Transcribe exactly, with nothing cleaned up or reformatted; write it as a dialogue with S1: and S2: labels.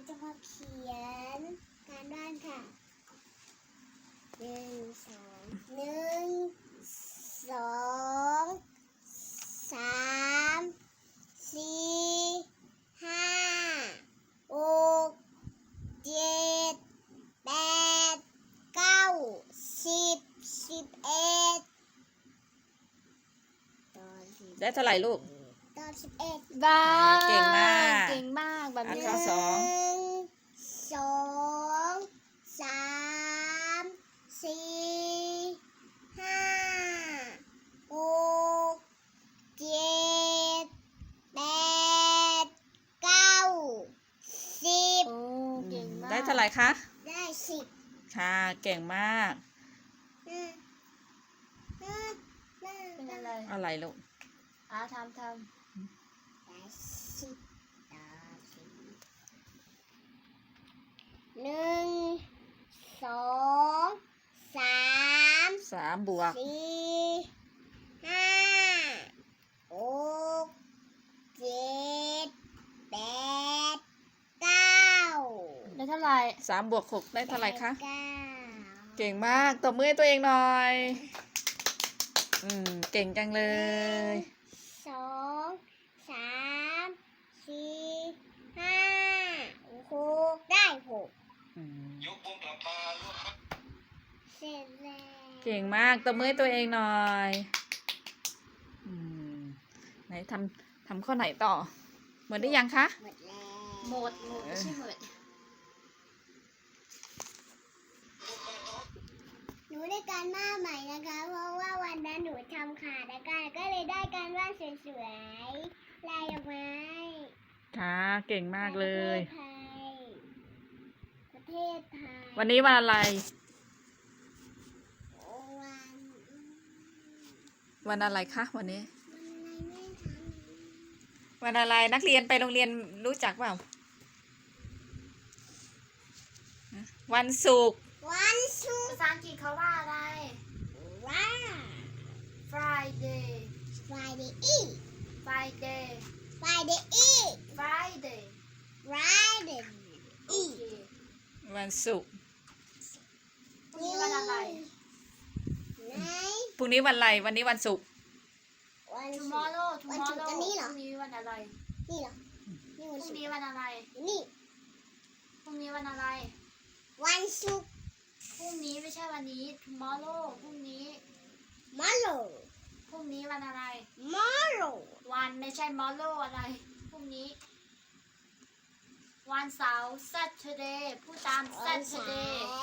S1: จะมาเขียนการบ้านค่ะหนึ่งสองหนึ่งสองสามสี่ห้าหกเจ็ดแปดเก้าสิบสิบเอ็ดตอนสิบ
S2: ได้เท่าไหร่ลูก
S1: ตอนสิบเอ็ด
S3: ได้
S2: เก่งมาก
S3: เก่งมากแบบ
S2: อัน
S3: นี้
S2: ข้อสอง
S1: หนึ่งสองสามสี่ห้าหกเจ็ดแปดเก้าสิบ
S3: โอ้เก่งมาก
S2: ได้เท่าไหร่คะ
S1: ได้สิบ
S2: ค่ะเก่งมาก
S1: อืมอืมอืม
S3: เป็นอะไร
S2: อะไรลูก
S3: อ่าทำท
S1: ได้สิบต่อสิบหนึ่งสองสาม
S2: สามบวก
S1: สี่ห้าหกเจ็ดแปดเก้า
S3: ำได้เท่าไหร่
S2: สามบวกหกได้เท่าไหร่คะ
S1: เก้า
S2: เก่งมากตบมือให้ตัวเองหน่อย อืม เก่งจังเลย
S1: สองสามสี่ห้าหกได้หก
S2: อืม
S4: ยกวงกลับมาลูกครับ
S1: เสร็จแล้ว
S2: เก่งมากตบมือให้ตัวเองหน่อย อืม ไหนทำทำข้อไหนต่อ หมดได้ยังคะ
S1: หมดแล้ว
S3: หมดหมดไม่ใช่หมด
S1: หนูได้การบ้านใหม่นะคะ เพราะว่าวันนั้นหนูทำขาดนะคะก็เลยได้การบ้านสวยๆลายดอกไม้
S2: ค่ะ เก่งมากเลย
S1: ประเทศไทย
S2: วันนี้วันอะไร
S1: วัน
S2: วันอะไรคะวันนี้
S1: วันอะไรแม่ทำ
S2: วันอะไรนักเรียนไปโรงเรียนรู้จักเปล่า วันศุกร์
S1: วันศุก
S3: ภา
S1: ร์
S3: ษาอังกฤษเขาว่าอะไร
S1: ว่า
S3: Friday
S1: Friday eat
S3: Friday
S1: Friday eat
S3: Friday
S1: Friday
S3: โอ
S1: eat
S3: เค
S2: วันศุกร์
S3: พรุ่งนี้วันอะไร
S1: ไหน
S2: พรุ่งนี้วันอะไร วันนี้วันศุกร์
S1: วันศุกร์
S3: tomorrow
S1: วันศุกร์
S3: tomorrow
S1: อันนี้เหรอ
S3: พรุ่งนี้วันอะไร
S1: นี่เหรอนี่
S3: พ
S1: วัน
S3: รุ่ง
S1: ศุก
S3: นี้
S1: ร์
S3: วันอะไร
S1: นี่
S3: พรุ่งนี้วันอะไร
S1: วันศุกร์
S3: พรุ่งนี้ไม่ใช่วันนี้ tomorrow พรุ่งนี้
S1: มาโล
S3: พรุ่งนี้วันอะไร
S1: มาโล
S3: วันไม่ใช่ tomorrow อะไร พรุ่งนี้ วันเสาร์ Saturday พูดตาม
S1: วันเสา
S3: Saturday
S1: ร์